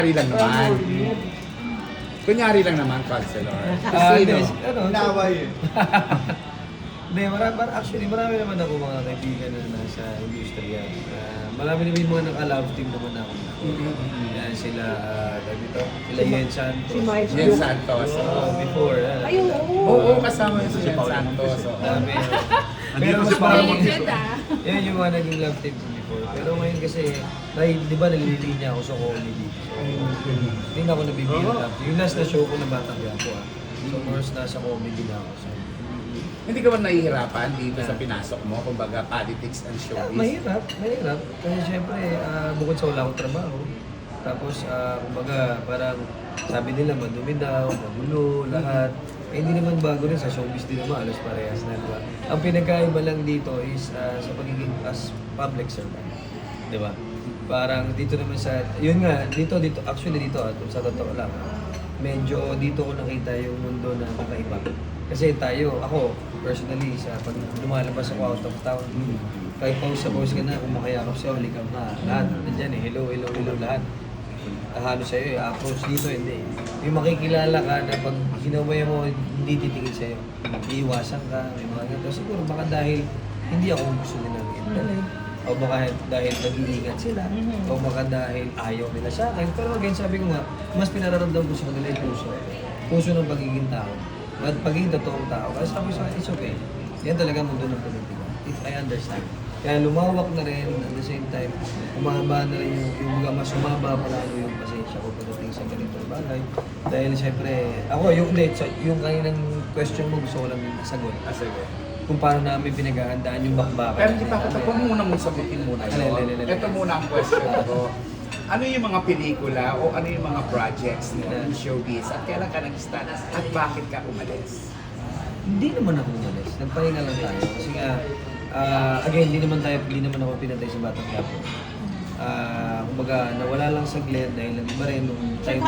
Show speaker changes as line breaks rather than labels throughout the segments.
Kunyari lang naman. Kunyari lang naman, counselor. Sino?
Naway eh.
Hindi, actually, marami naman ako mga kaibigan na nasa industriya. Marami naman yung mga naka-love team naman ako. Yan sila, dito, sila Yen Santos.
Si Mike.
Jen Santos.
Before.
Ayun,
Oo, kasama yung si Jen Santos.
Dami.
Andito
Pero
si
mas
Paolo
marami
Montijo.
yan yung mga naging love team ko before. Pero ngayon kasi, dahil di ba nalilinya ako sa comedy. So, hindi na ako nabibigyan ng love team. Yung last na show ko na Batang Quiapo. So, first nasa comedy na ako. So,
Hindi ka ba nahihirapan dito sa pinasok mo? Kumbaga, politics and showbiz?
mahirap. Kasi syempre, bukod sa wala akong trabaho, tapos, kumbaga, parang sabi nila madumi daw, magulo, lahat. Eh, hindi naman bago rin sa showbiz din naman, alos parehas na, di ba? Ang pinagkaiba lang dito is sa pagiging as public servant, di ba? Parang dito naman sa, yun nga, dito, actually dito, sa totoo lang, medyo dito ko nakita yung mundo na kakaiba. Kasi tayo, ako, personally, sa pag lumalabas ako out of town, kahit pause ka na, kung makayakap sa'yo, halikam na, lahat, nandyan eh, hello, lahat. Halo sa'yo eh, approach dito, hindi. Yung makikilala ka na pag hinaway mo, hindi titingin sa'yo. Iiwasan ka, may mga ganito. Siguro baka dahil hindi ako gusto nilang intellect, o baka dahil nag-iingat sila, o baka dahil ayaw nila sa akin. Pero again, sabi ko nga, mas pinararamdam ko sa kanila yung puso. Puso ng pagiging tao. At pagiging totoong tao. Kasi sabi ko sa akin, it's okay. Yan talaga mundo ng politika. If I understand. Kaya lumawak na rin, at the same time, umaba na rin yung mas umaba pa lalo yung pasensya ko pagdating sa ganitong bagay. Dahil siyempre, ako, yung kaninang question mo gusto ko lang sagot.
Sige.
Kung paano namin pinaghahandaan yung bakbakan.
Pero hindi pa ako tapos muna mong sagutin muna yun. Ito muna ang question ko. Ano yung mga pelikula o ano yung mga projects mo in showbiz at kailan ka nag-start at bakit ka umalis?
Hindi naman ako umalis. Nagpahinga lang tayo. Kasi nga, again, hindi naman ako pinatay sa Batang Quiapo. Kumbaga, nawala lang saglit dahil nag-iba rin nung time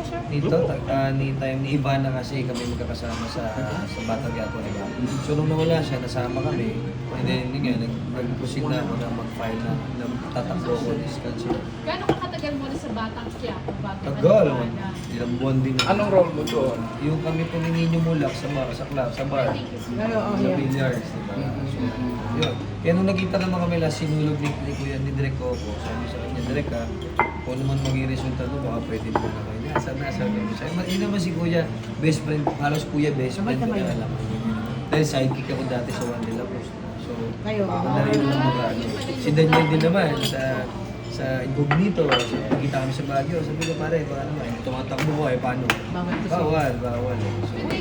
ni Ivana kasi kami magkakasama sa Batang Quiapo, di ba? So nung nawala siya, nasama kami. And then, yun nga, nag-proceed na ako na mag-file na tatakbo ko this cancer.
Gano'n ka katagal mo na sa Batang Quiapo bago ka
Tagal,
nagpana?
ilang buwan din.
Anong role mo doon?
Yung kami po ni Nino Mulak sa bar, sa
I think it's
sa billiards, di ba? So, yun. Kaya nung nakita naman kami last, sinulog ni Kuya, ni Direk Coco, sabi sa kanya, Direk ha, kung naman maging resulta mo, baka pwede mo na kayo. Sabi ko sa'yo. Yun naman si Kuya, best friend, halos Kuya best friend ko na alam. Dahil sidekick ako dati sa One de la Cruz. So, madali lang mga ano. Si Daniel din naman sa Incognito, so pagkita kami sa Baguio, sabi ko pare, baka naman, tumatakbo ko paano? Bawal. So,